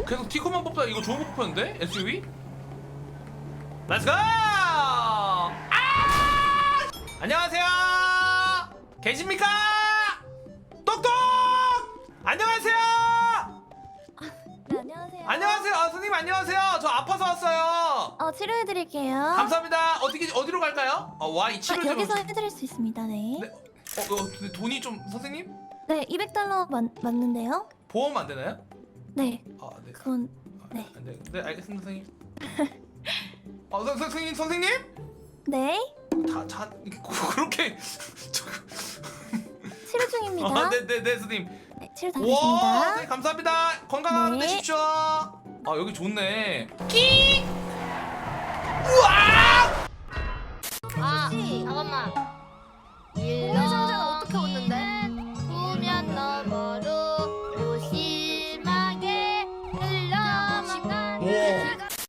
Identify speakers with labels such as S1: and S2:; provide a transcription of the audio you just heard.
S1: 계속 티코만 뽑다. 이거 좋은 뽑혔는데? SUV? 렛츠고! 아! 안녕하세요! 계십니까? 똑똑! 안녕하세요!
S2: 네, 안녕하세요.
S1: 안녕하세요. 선생님 안녕하세요. 저 아파서 왔어요.
S2: 치료해드릴게요.
S1: 감사합니다. 어디로 갈까요? 와, 이 치료를
S2: 여기서 해드릴 수 있습니다. 네.
S1: 네. 근데 돈이 좀 선생님?
S2: 네, 200달러 맞는데요?
S1: 보험 안 되나요?
S2: 네.
S1: 아, 네.
S2: 그건 네.
S1: 안 돼. 네, 알겠습니다, 선생님. 선생님?
S2: 네.
S1: 그렇게
S2: 치료 중입니다.
S1: 네, 선생님.
S2: 네, 치료 다
S1: 와,
S2: 됐습니다.
S1: 선생님 감사합니다. 건강한 하루
S2: 네.
S1: 되십시오. 여기 좋네. 끼! 우와!
S3: 잠깐만.
S2: 공유상자